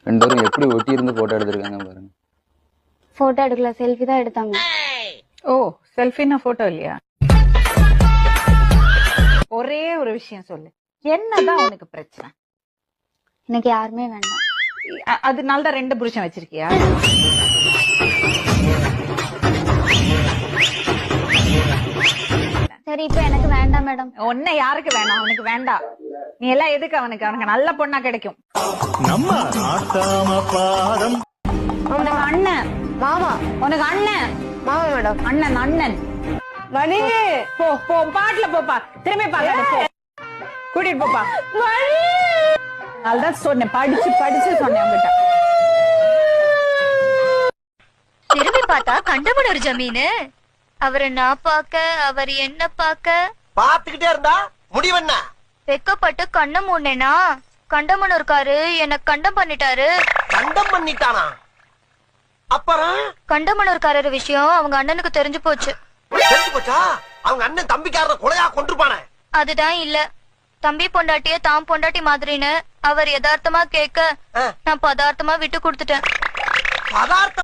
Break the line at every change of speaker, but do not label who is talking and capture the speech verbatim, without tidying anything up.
ரெண்டு பேரும் எப்படி ஒட்டி இருந்து போட்டோ எடுத்திருக்காங்க பாருங்க.
போட்டோ எடுக்கல, செல்ஃபி தான் எடுத்தாங்க.
ஓ, செல்ஃபின்னா போட்டோ இல்லையா? ஒரே ஒரு விஷயம் சொல்லு, என்னதான் உனக்கு பிரச்சனை?
எனக்கு யாருமே வேண்டாம்.
அ- அதனால தான் ரெண்டு புருஷன் வச்சிருக்கியா?
சரி, இப்ப எனக்கு வேண்டாம் மேடம்.
உன்னை யாருக்கு வேணாம்? அவனுக்கு வேண்டாம். நீ எல்லாம் எதுக்கு அவனுக்கு? அவனுக்கு நல்ல பொண்ணா கிடைக்கும். உனக்கு அண்ணன்
மாமா
உனக்கு அண்ணன்
மாமா மேடம்
அண்ணன் அண்ணன்
மணி
போ போ பாட்டுல போப்பா, திரும்பி பாக்காத போ, கூட்டிட்டு போப்பா. அதுதான் சொன்னேன், படிச்சு படிச்சு சொன்னேன் உங்ககிட்ட.
திரும்பி பார்த்தா கண்டமன் ஒரு ஜமீனு. அவரை நான் பாக்க, அவர் என்ன பாக்க
பாத்துக்கிட்டே இருந்தா முடிவென்ன?
வெக்கப்பட்டு கண்ண மூடனேனா கண்டமன் இருக்காரு, என்ன கண்டம் பண்ணிட்டாரு.
கண்டம் பண்ணிட்டானா? அப்புறம்
கண்டமனூர்காரர் விஷயம் அவங்க அண்ணனுக்கு தெரிஞ்சு போச்சு.
தெரிஞ்சு போச்சா? அவங்க அண்ணன் தம்பிக்காரரை கொலையா கொண்டிருப்பானே.
அதுதான் இல்ல, தம்பி பொண்டாட்டிய தாம் பொண்டாட்டி மாதிரின்னு அவர் யதார்த்தமா கேட்க நான் பதார்த்தமா விட்டு கொடுத்துட்டேன்.
பதார்த்தம்